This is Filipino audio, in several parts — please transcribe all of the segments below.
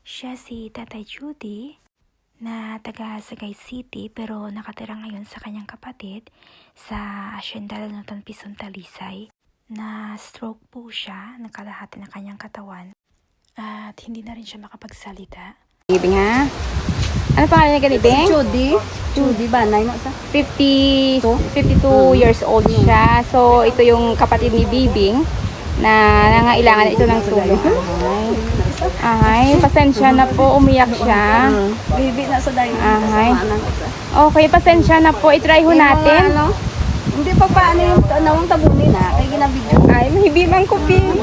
Siya si Tatay Judy na taga Sagay City pero nakatira ngayon sa kanyang kapatid sa Hacienda Lanutan Pison, Talisay. Na stroke po siya, nakalahati ng kanyang katawan at hindi na rin siya makapagsalita. Bibing ha? Ano pangalan niya Galibing? Judy ba? 52 years old siya. So, ito yung kapatid ni Bibing na nangailangan ito ng tulong. Ay, pasensya na po. Umiyak siya. Bibi na sa dayo. Ay. Okay, pasensya na po. I-try ho natin. Hindi pa paano yung tanawang tabunin na. Kaya ginabidyo. Ay, mahibimang ko, Bing.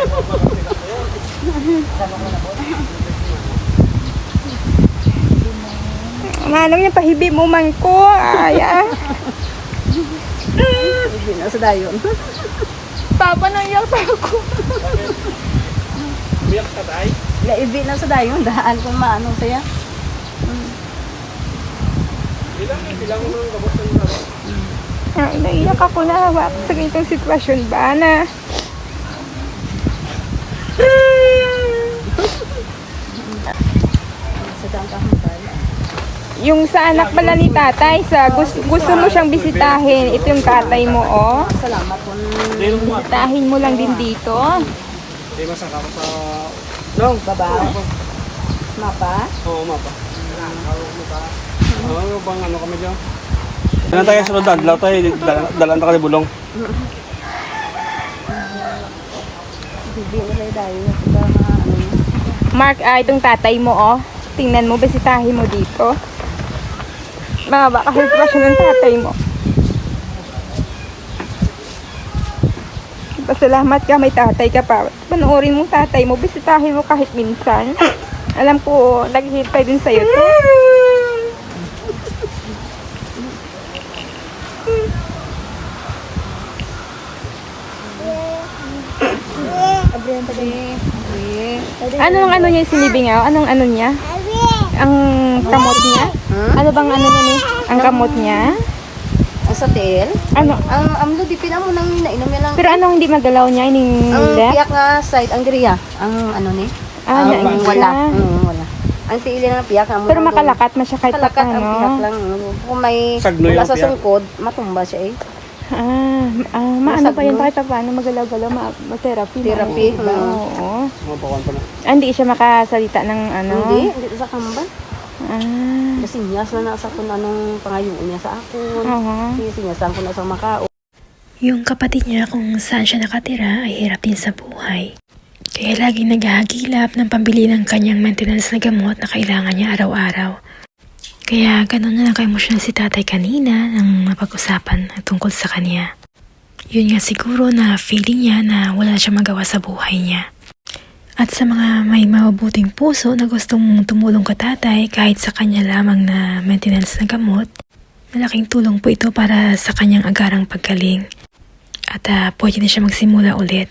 Manong niya, pahibi mo man ko. Ay, Bibi na sa dayo. Papa, naiyak pa ako. Biyak ka tayo? Ibi na sa dayo. Daan kung maano saya. Bilang mo ng gabot ng laro. Ay, naiyak ako na hawak sa ganitong sitwasyon ba na. Sa daan ka humpal. Yung sa anak pala ni tatay, gusto mo siyang bisitahin. Ito yung tatay mo, oh. Salamat po. Bisitahin mo lang din dito. Hindi masakap sa... Nong, Baba. Mapa. Oo, mapa. Ano bang ano kami dyan? Kailan tayo sa rodan? Dalaw tayo, dalaan tayo bulong. Bibi na sa dayo. Ito ano. Mark, itong tatay mo, oh. Tingnan mo, bisitahin mo dito. Mahaba kasi sitwasyon ng tatay mo. Pasalamat ka, may tatay ka pa. Panoorin mo tatay mo, bisitahin mo kahit minsan. Alam ko, naghihintay din sa'yo to. Anong ano niya sinibingaw? Anong ano niya? Ang kamot niya? Ano bang ano niya ni? Ang kamot niya? Sa tail. Ano? Ang amlo di pina mo nang nainom niya lang. Pero anong hindi magalaw niya? Ining Ang left? piyak nga side, ang diriya. Ang ano ni? Ah, ang nain wala. siya. Wala. Ang tiili ng piyak. Ang Pero makalakat na siya kahit pa Kalakat ang piyak ano. lang. Kung may Sagno wala yung sa piyak. sungkod, matumba siya eh. Maano pa yun Masagno. kahit pa paano magalaw-galaw, ma-therapy. Therapy. Oo. Mapakuan pa na. Hindi siya makasalita ng ano. Hindi sa kamban. Ah. Kasi niyas na nasa kung anong pangayon niya sa akon. Oo. Kasi niyasan ko na sa Macau. Yung kapatid niya kung saan siya nakatira ay hirap din sa buhay. Kaya laging naghahagilap ng pambili ng kanyang maintenance na gamot na kailangan niya araw-araw. Kaya ganun na lang ka-emotional si tatay kanina nang mapag-usapan tungkol sa kanya. Yun nga siguro na feeling niya na wala siya magawa sa buhay niya. At sa mga may mabubuting puso na gustong tumulong ka tatay kahit sa kanya lamang na maintenance na gamot, malaking tulong po ito para sa kanyang agarang paggaling. At pwede na siya magsimula ulit.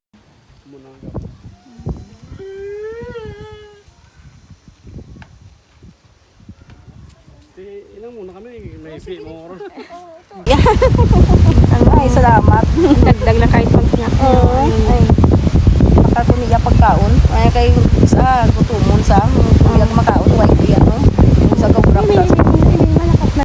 Ilang muna kami, may free mo ron. Ay, salamat. Dagdag lang kahit pag-snack. Oo. Ay. Makatuniga pagkaon. Ay, kay sa gutumon sa. Kung maka